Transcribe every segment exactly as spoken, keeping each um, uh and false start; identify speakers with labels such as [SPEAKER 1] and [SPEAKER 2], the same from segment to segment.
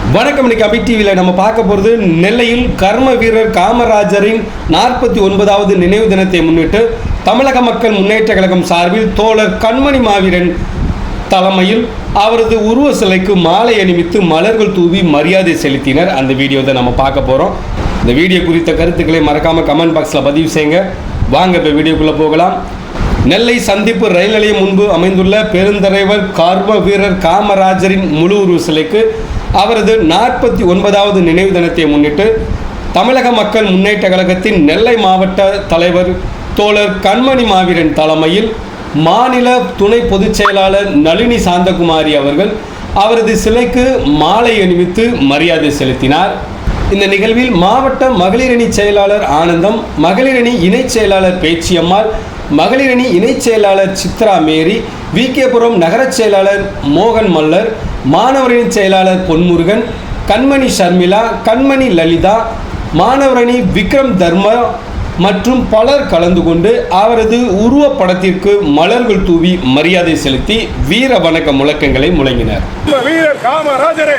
[SPEAKER 1] வணக்கம். இன்னைக்கு அபி டிவியில் நம்ம பார்க்க போகிறது நெல்லையில் கர்ம வீரர் காமராஜரின் நாற்பத்தி ஒன்பதாவது நினைவு தினத்தை முன்னிட்டு தமிழக மக்கள் முன்னேற்ற கழகம் சார்பில் தோழர் கண்மணி மாவீரன் தலைமையில் அவரது உருவ சிலைக்கு மாலை அணிவித்து மலர்கள் தூவி மரியாதை செலுத்தினர். அந்த வீடியோ தான் நம்ம பார்க்க போகிறோம். இந்த வீடியோ குறித்த கருத்துக்களை மறக்காமல் கமெண்ட் பாக்ஸில் பதிவு செய்யுங்க. வாங்க இப்போ வீடியோக்குள்ளே போகலாம். நெல்லை சந்திப்பு ரயில் நிலையம் முன்பு அமைந்துள்ள பெருந்தலைவர் கர்ம வீரர் காமராஜரின் முழு உருவ சிலைக்கு அவரது நாற்பத்தி ஒன்பதாவது நினைவு தினத்தை முன்னிட்டு தமிழக மக்கள் முன்னேற்ற கழகத்தின் நெல்லை மாவட்ட தலைவர் தோழர் கண்மணி மாவீரன் தலைமையில் மாநில துணை பொதுச் செயலாளர் நளினி சாந்தகுமாரி அவர்கள் அவரது சிலைக்கு மாலை அணிவித்து மரியாதை செலுத்தினார். இந்த நிகழ்வில் மாவட்ட மகளிரணி செயலாளர் ஆனந்தம், மகளிரணி இணைச் செயலாளர் பேச்சியம்மாள், மகளிரணி இணைச் செயலாளர் சித்ரா மேரி, வி கேபுரம் நகர செயலாளர் மோகன் மல்லர், மாணவரணி செயலாளர் பொன்முருகன், கண்மணி ஷர்மிளா, கண்மணி லலிதா, மாணவரணி விக்ரம் தர்மா மற்றும் பலர் கலந்து கொண்டு அவரது உருவப்படத்திற்கு மலர்கள் தூவி மரியாதை செலுத்தி வீர வணக்க முழக்கங்களை முழங்கினர்.
[SPEAKER 2] வீரர் காமராஜரே,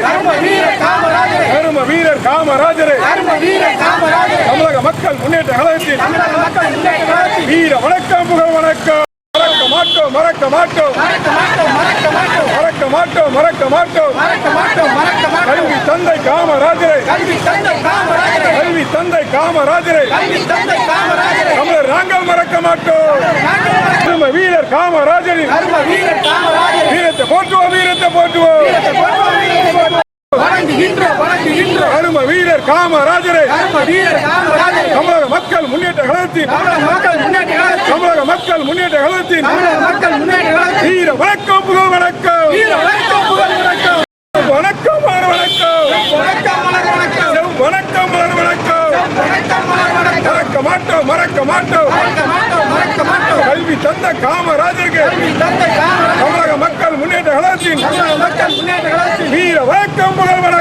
[SPEAKER 2] வீரர் காமராஜரே, தமிழக மக்கள் முன்னேற்ற கழகத்தின் வீர வணக்கம், புகழ் வணக்கம். மறக்க மாட்டோம், மறக்க மாட்டோம், மறக்க மாட்டோம், மறக்க மாட்டோம். கல்வி தந்தை காமராஜரே, கல்வி தந்தை காமராஜரே, தமிழர் நாங்கள் மறக்க மாட்டோம். வீரர் காமராஜரின் வீரத்தை போற்றுவோம், வீரத்தை போற்றுவோம். அரும வீரர் காமராஜரே, தமிழக மக்கள் முன்னேற்ற கழகத்தின் தமிழக மக்கள் முன்னேற்ற கழகத்தின் வீர வணக்கம், புகழ் வணக்கம். வணக்கம், மலர் வணக்கம், வணக்கம், மலர் வணக்கம். மறக்க மாட்டோம், மறக்க மாட்டோம். கல்வி தந்த காமராஜருக்கு தமிழக மக்கள் முன்னேற்ற கழகத்தின் வீர வணக்கம், புகழ் வணக்கம்.